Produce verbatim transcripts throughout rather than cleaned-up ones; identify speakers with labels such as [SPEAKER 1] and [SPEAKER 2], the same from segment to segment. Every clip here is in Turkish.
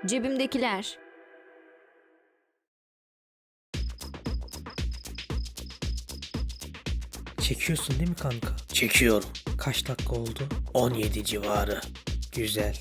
[SPEAKER 1] Cebimdekiler.
[SPEAKER 2] Çekiyorsun değil mi kanka?
[SPEAKER 3] Çekiyorum.
[SPEAKER 2] Kaç dakika oldu?
[SPEAKER 3] on yedi civarı.
[SPEAKER 2] Güzel.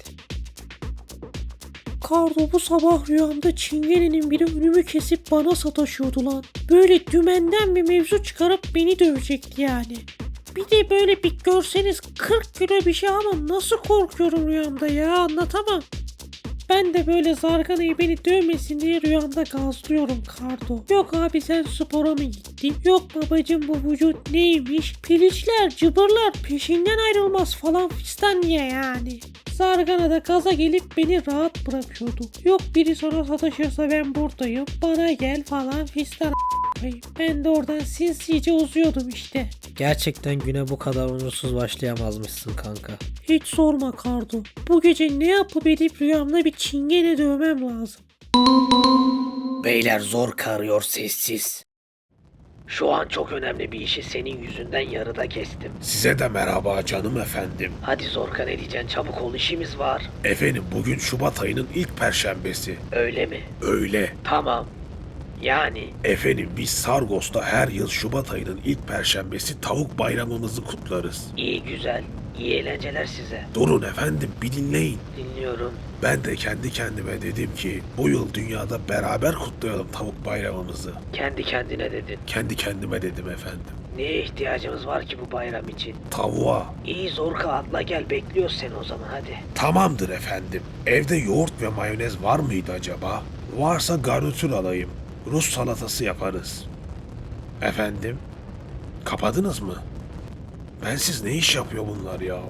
[SPEAKER 2] Kardo, bu sabah rüyamda çingenenin biri önümü kesip bana sataşıyordu lan. Böyle dümenden bir mevzu çıkarıp beni dövecekti yani. Bir de böyle bir görseniz kırk kilo bir şey ama nasıl korkuyorum rüyamda ya, anlatamam. Ben de böyle zarganayı beni dövmesin diye rüyamda gazlıyorum Kardo. Yok abi sen spora mı gittin? Yok babacım bu vücut neymiş? Piliçler, cıbırlar peşinden ayrılmaz falan fistan diye yani. Zargana da gaza gelip beni rahat bırakıyordu. Yok biri sonra sataşırsa ben buradayım, bana gel falan fistan. Ben de oradan sinsice uzuyordum işte.
[SPEAKER 3] Gerçekten güne bu kadar onursuz başlayamazmışsın kanka.
[SPEAKER 2] Hiç sorma Kardo. Bu gece ne yapıp edip rüyamda bir çingene dövmem lazım.
[SPEAKER 3] Beyler zor karıyor sessiz. Şu an çok önemli bir işi senin yüzünden yarıda kestim.
[SPEAKER 4] Size de merhaba canım efendim.
[SPEAKER 3] Hadi Zorka ne diyeceksin, çabuk ol, işimiz var.
[SPEAKER 4] Efendim bugün Şubat ayının ilk perşembesi.
[SPEAKER 3] Öyle mi?
[SPEAKER 4] Öyle.
[SPEAKER 3] Tamam. Yani
[SPEAKER 4] Efendim biz Sargos'ta her yıl Şubat ayının ilk perşembesi tavuk bayramımızı kutlarız.
[SPEAKER 3] iyi güzel. İyi eğlenceler size.
[SPEAKER 4] Durun efendim bir dinleyin.
[SPEAKER 3] Dinliyorum.
[SPEAKER 4] Ben de kendi kendime dedim ki bu yıl dünyada beraber kutlayalım tavuk bayramımızı.
[SPEAKER 3] Kendi kendine dedin.
[SPEAKER 4] Kendi kendime dedim efendim.
[SPEAKER 3] Neye ihtiyacımız var ki bu bayram için?
[SPEAKER 4] Tavuğa.
[SPEAKER 3] İyi Zorka, atla gel, bekliyoruz seni o zaman, hadi.
[SPEAKER 4] Tamamdır efendim. Evde yoğurt ve mayonez var mıydı acaba? Varsa garnitür alayım. Rus salatası yaparız. Efendim? Kapadınız mı? Ben siz ne iş yapıyor bunlar ya?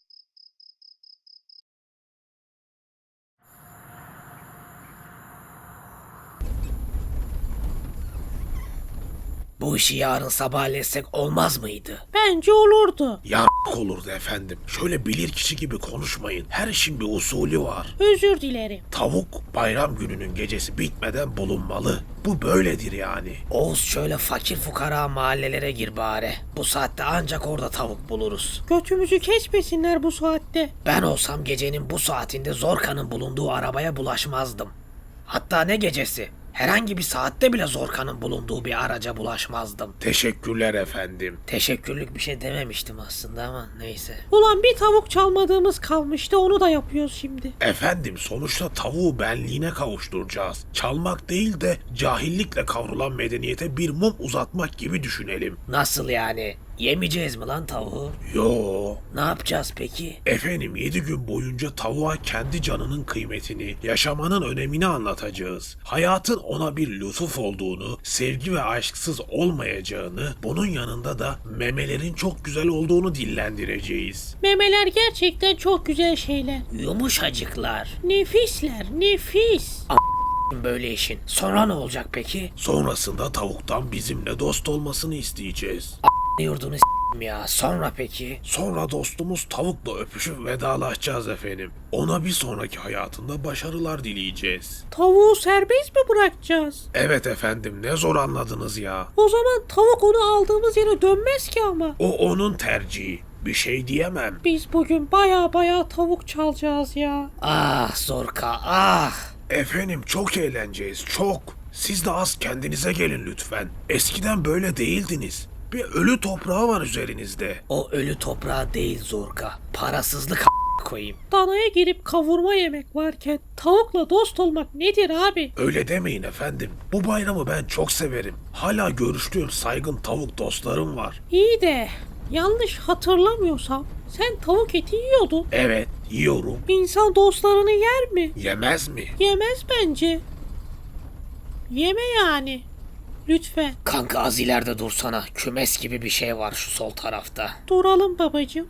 [SPEAKER 3] Bu işi yarın sabahletsek olmaz mıydı?
[SPEAKER 2] Bence olurdu.
[SPEAKER 4] Ya olurdu efendim. Şöyle bilir kişi gibi konuşmayın. Her işin bir usulü var.
[SPEAKER 2] Özür dilerim.
[SPEAKER 4] Tavuk bayram gününün gecesi bitmeden bulunmalı. Bu böyledir yani.
[SPEAKER 3] Oğuz, şöyle fakir fukara mahallelere gir bari. Bu saatte ancak orada tavuk buluruz.
[SPEAKER 2] Götümüzü kesmesinler bu saatte.
[SPEAKER 3] Ben olsam gecenin bu saatinde Zorka'nın bulunduğu arabaya bulaşmazdım. Hatta ne gecesi? Herhangi bir saatte bile Zorka'nın bulunduğu bir araca bulaşmazdım.
[SPEAKER 4] Teşekkürler efendim.
[SPEAKER 3] Teşekkürlük bir şey dememiştim aslında ama neyse.
[SPEAKER 2] Ulan bir tavuk çalmadığımız kalmıştı, onu da yapıyoruz şimdi.
[SPEAKER 4] Efendim sonuçta tavuğu benliğine kavuşturacağız. Çalmak değil de cahillikle kavrulan medeniyete bir mum uzatmak gibi düşünelim.
[SPEAKER 3] Nasıl yani? Yemeyeceğiz mi lan tavuğu?
[SPEAKER 4] Yo.
[SPEAKER 3] Ne yapacağız peki?
[SPEAKER 4] Efendim yedi gün boyunca tavuğa kendi canının kıymetini, yaşamanın önemini anlatacağız. Hayatın ona bir lütuf olduğunu, sevgi ve aşksız olmayacağını, bunun yanında da memelerin çok güzel olduğunu dillendireceğiz.
[SPEAKER 2] Memeler gerçekten çok güzel şeyler.
[SPEAKER 3] Yumuşacıklar.
[SPEAKER 2] Nefisler, nefis.
[SPEAKER 3] Böyle işin. Sonra ne olacak peki?
[SPEAKER 4] Sonrasında tavuktan bizimle dost olmasını isteyeceğiz.
[SPEAKER 3] Yurdunu s**tim ya. Sonra peki?
[SPEAKER 4] Sonra dostumuz tavukla öpüşüp vedalaşacağız efendim. Ona bir sonraki hayatında başarılar dileyeceğiz.
[SPEAKER 2] Tavuğu serbest mi bırakacağız?
[SPEAKER 4] Evet efendim, ne zor anladınız ya.
[SPEAKER 2] O zaman tavuk onu aldığımız yere dönmez ki ama.
[SPEAKER 4] O onun tercihi. Bir şey diyemem.
[SPEAKER 2] Biz bugün baya baya tavuk çalacağız ya.
[SPEAKER 3] Ah Zorka, ah!
[SPEAKER 4] Efendim çok eğleneceğiz, çok. Siz de az kendinize gelin lütfen. Eskiden böyle değildiniz. Bir ölü toprağı var üzerinizde.
[SPEAKER 3] O ölü toprağı değil Zorka. Parasızlık a** koyayım.
[SPEAKER 2] Danaya girip kavurma yemek varken tavukla dost olmak nedir abi?
[SPEAKER 4] Öyle demeyin efendim. Bu bayramı ben çok severim. Hala görüştüğüm saygın tavuk dostlarım var.
[SPEAKER 2] İyi de yanlış hatırlamıyorsam sen tavuk eti yiyordun.
[SPEAKER 4] Evet, yiyorum.
[SPEAKER 2] İnsan dostlarını yer mi?
[SPEAKER 4] Yemez mi?
[SPEAKER 2] Yemez bence. Yeme yani. Lütfen.
[SPEAKER 3] Kanka az ileride dursana. Kümes gibi bir şey var şu sol tarafta.
[SPEAKER 2] Duralım babacığım.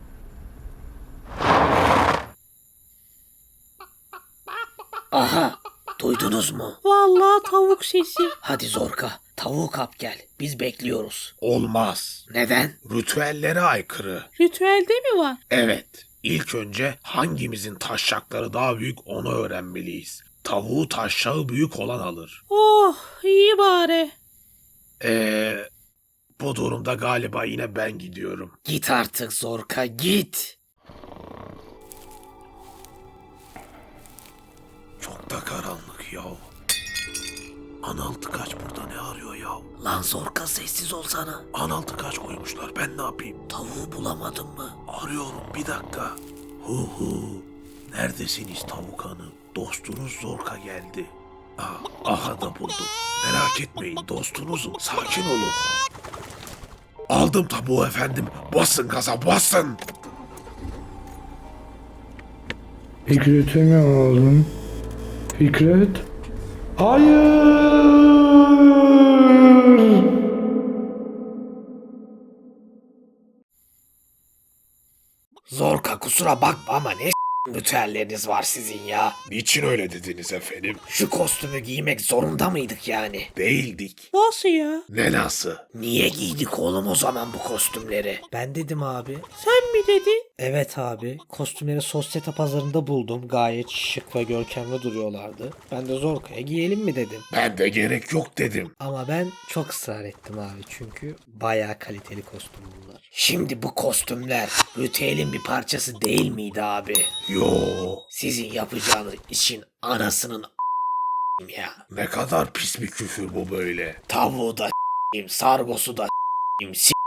[SPEAKER 3] Aha! Duydunuz mu?
[SPEAKER 2] Vallahi tavuk sesi.
[SPEAKER 3] Hadi Zorka, tavuğu kap gel. Biz bekliyoruz.
[SPEAKER 4] Olmaz.
[SPEAKER 3] Neden?
[SPEAKER 4] Ritüellere aykırı.
[SPEAKER 2] Ritüelde mi var?
[SPEAKER 4] Evet. İlk önce hangimizin taşşakları daha büyük onu öğrenmeliyiz. Tavuğu taşşağı büyük olan alır.
[SPEAKER 2] Oh iyi bari.
[SPEAKER 4] Eee... Bu durumda galiba yine ben gidiyorum.
[SPEAKER 3] Git artık Zorka, git.
[SPEAKER 4] Çok da karanlık ya. Analtı kaç burada ne arıyor ya?
[SPEAKER 3] Lan Zorka sessiz olsana.
[SPEAKER 4] Analtı kaç koymuşlar ben ne yapayım?
[SPEAKER 3] Tavuğu bulamadın mı?
[SPEAKER 4] Arıyorum bir dakika. Hu hu. Neredesiniz tavuk hanım? Dostunuz Zorka geldi. Ah, aha da buldum. Merak etmeyin dostunuzum. Sakin olun. Aldım tavuğu efendim. Basın gaza basın.
[SPEAKER 1] Fikret'i mi aldın? Fikret? Hayır!
[SPEAKER 3] Zorka kusura bakma ama ne s*** ritüelleriniz var sizin ya.
[SPEAKER 4] Niçin öyle dediniz efendim?
[SPEAKER 3] Şu kostümü giymek zorunda mıydık yani?
[SPEAKER 4] Değildik.
[SPEAKER 2] Nasıl ya?
[SPEAKER 4] Ne nasıl?
[SPEAKER 3] Niye giydik oğlum o zaman bu kostümleri? Ben dedim abi.
[SPEAKER 2] Sen mi dedin?
[SPEAKER 3] Evet abi. Kostümleri sosyete pazarında buldum. Gayet şık ve görkemli duruyorlardı. Ben de Zorka'ya giyelim mi dedim.
[SPEAKER 4] Ben de gerek yok dedim.
[SPEAKER 3] Ama ben çok ısrar ettim abi çünkü bayağı kaliteli kostüm bunlar. Şimdi bu kostümler ritüelin bir parçası değil miydi abi?
[SPEAKER 4] Yo.
[SPEAKER 3] Sizin yapacağınız işin anasının a**ayım ya.
[SPEAKER 4] Ne kadar pis bir küfür bu böyle.
[SPEAKER 3] Tavuğu da s**eyim, sargosu da s**eyim, s**eyim.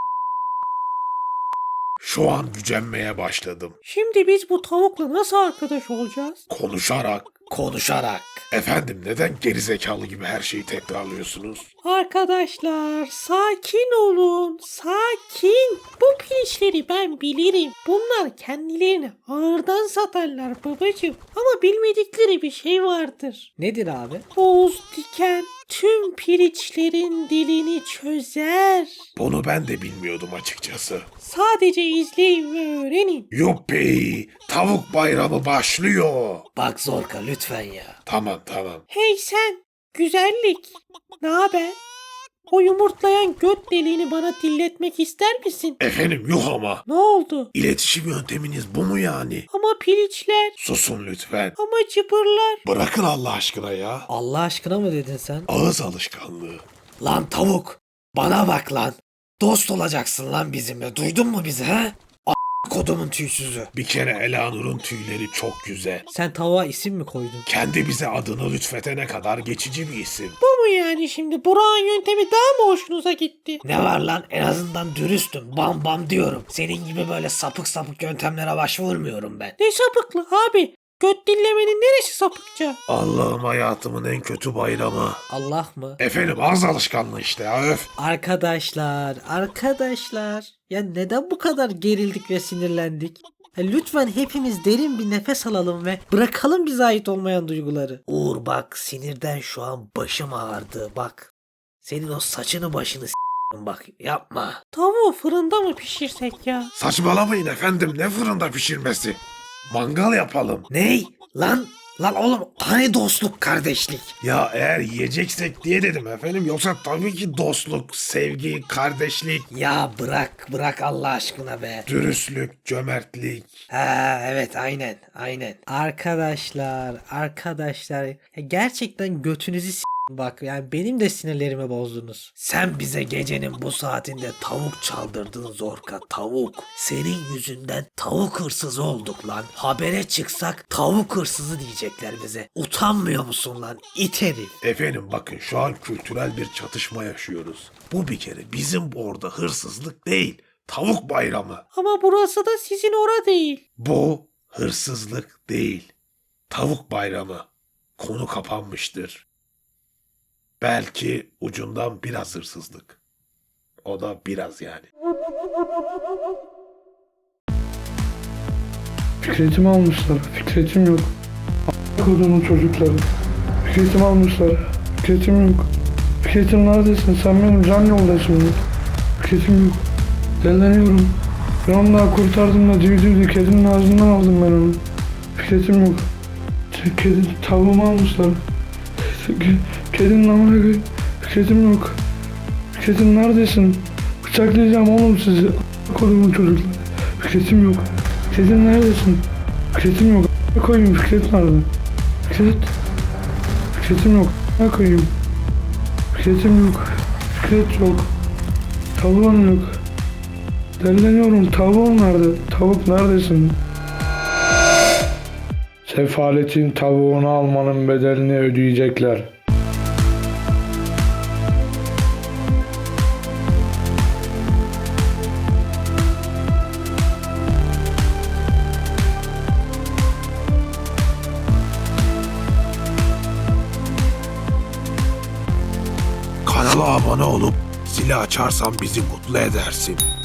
[SPEAKER 4] Şu an gücenmeye başladım.
[SPEAKER 2] Şimdi biz bu tavukla nasıl arkadaş olacağız?
[SPEAKER 4] Konuşarak.
[SPEAKER 3] Konuşarak.
[SPEAKER 4] Efendim neden gerizekalı gibi her şeyi tekrarlıyorsunuz?
[SPEAKER 2] Arkadaşlar sakin olun. Sakin. Bu pirinçleri ben bilirim. Bunlar kendilerini ağırdan satarlar babacığım. Ama bilmedikleri bir şey vardır.
[SPEAKER 3] Nedir abi?
[SPEAKER 2] Oğuz Diken tüm pirinçlerin dilini çözer.
[SPEAKER 4] Bunu ben de bilmiyordum açıkçası.
[SPEAKER 2] Sadece izleyin ve öğrenin.
[SPEAKER 4] Yuppi! Tavuk bayramı başlıyor.
[SPEAKER 3] Bak Zorka lütfen ya.
[SPEAKER 4] Tamam tamam.
[SPEAKER 2] Hey sen, güzellik. Ne haber? O yumurtlayan göt deliğini bana dilletmek ister misin?
[SPEAKER 4] Efendim yuh ama.
[SPEAKER 2] Ne oldu?
[SPEAKER 4] İletişim yönteminiz bu mu yani?
[SPEAKER 2] Ama pirinçler,
[SPEAKER 4] Susun lütfen.
[SPEAKER 2] ama cıbırlar.
[SPEAKER 4] Bırakın Allah aşkına ya.
[SPEAKER 3] Allah aşkına mı dedin sen?
[SPEAKER 4] Ağız alışkanlığı.
[SPEAKER 3] Lan tavuk. Bana bak lan. Dost olacaksın lan bizimle. Duydun mu bizi ha? A** kodumun tüysüzü.
[SPEAKER 4] Bir kere Elanur'un tüyleri çok güzel.
[SPEAKER 3] Sen tavuğa isim mi koydun?
[SPEAKER 4] Kendi bize adını lütfetene kadar geçici bir isim.
[SPEAKER 2] Bu mu yani şimdi? Burak'ın yöntemi daha mı hoşunuza gitti?
[SPEAKER 3] Ne var lan? En azından dürüstüm. Bam bam diyorum. Senin gibi böyle sapık sapık yöntemlere başvurmuyorum ben.
[SPEAKER 2] Ne sapıklı abi? Göt dillemenin neresi sapıkça?
[SPEAKER 4] Allah'ım hayatımın en kötü bayramı.
[SPEAKER 3] Allah mı?
[SPEAKER 4] Efendim ağız alışkanlığı işte ya öf.
[SPEAKER 3] Arkadaşlar, arkadaşlar. Ya neden bu kadar gerildik ve sinirlendik? Ya lütfen hepimiz derin bir nefes alalım ve bırakalım bize ait olmayan duyguları. Uğur bak sinirden şu an başım ağrıdı bak. Senin o saçını başını s**tim bak yapma.
[SPEAKER 2] Tavuğu fırında mı pişirsek ya?
[SPEAKER 4] Saçmalamayın efendim ne fırında pişirmesi. Mangal yapalım.
[SPEAKER 3] Ney? Lan lan oğlum hani dostluk kardeşlik?
[SPEAKER 4] Ya eğer yiyeceksek diye dedim efendim. Yoksa tabii ki dostluk, sevgi, kardeşlik,
[SPEAKER 3] Ya bırak bırak Allah aşkına be.
[SPEAKER 4] dürüstlük, cömertlik.
[SPEAKER 3] Ha evet aynen aynen. Arkadaşlar arkadaşlar ya gerçekten götünüzü s- bak yani benim de sinirlerimi bozdunuz. Sen bize gecenin bu saatinde tavuk çaldırdın Zorka tavuk. Senin yüzünden tavuk hırsızı olduk lan. Habere çıksak tavuk hırsızı diyecekler bize. Utanmıyor musun lan it herif?
[SPEAKER 4] Efendim bakın şu an kültürel bir çatışma yaşıyoruz. Bu bir kere bizim orada hırsızlık değil. Tavuk bayramı.
[SPEAKER 2] Ama burası da sizin ora değil.
[SPEAKER 4] Bu hırsızlık değil. Tavuk bayramı. Konu kapanmıştır. Belki ucundan biraz hırsızlık. O da biraz yani.
[SPEAKER 1] Fikret'imi almışlar. Fikret'im yok. A** kodumun çocukları. Fikret'imi almışlar. Fikret'im yok. Fikret'im neredesin? Sen benim can yoldaşımdın. Fikret'im yok. Deleniyorum. Ben onu daha kurtardım da civcivdi. Kedinin ağzından aldım ben onu. Fikret'im yok. Kedi, tavuğumu almışlar. Kedinin amına koyayım. Fikret'im yok. Fikret'im neredesin? Bıçaklayacağım oğlum sizi. A** kodumun çocukları. Fikret'im yok. Fikret'im neredesin? Fikret'im yok. A** koyayım Fikret nerede? Fikret. Fikret'im yok. A** koyayım. Fikret'im yok. Fikret yok. Tavuğum yok. Deleniyorum. Tavuğum nerede? Tavuk neredesin? Sefaletin tavuğunu almanın bedelini ödeyecekler.
[SPEAKER 4] Kanala abone olup zili açarsan bizi mutlu edersin.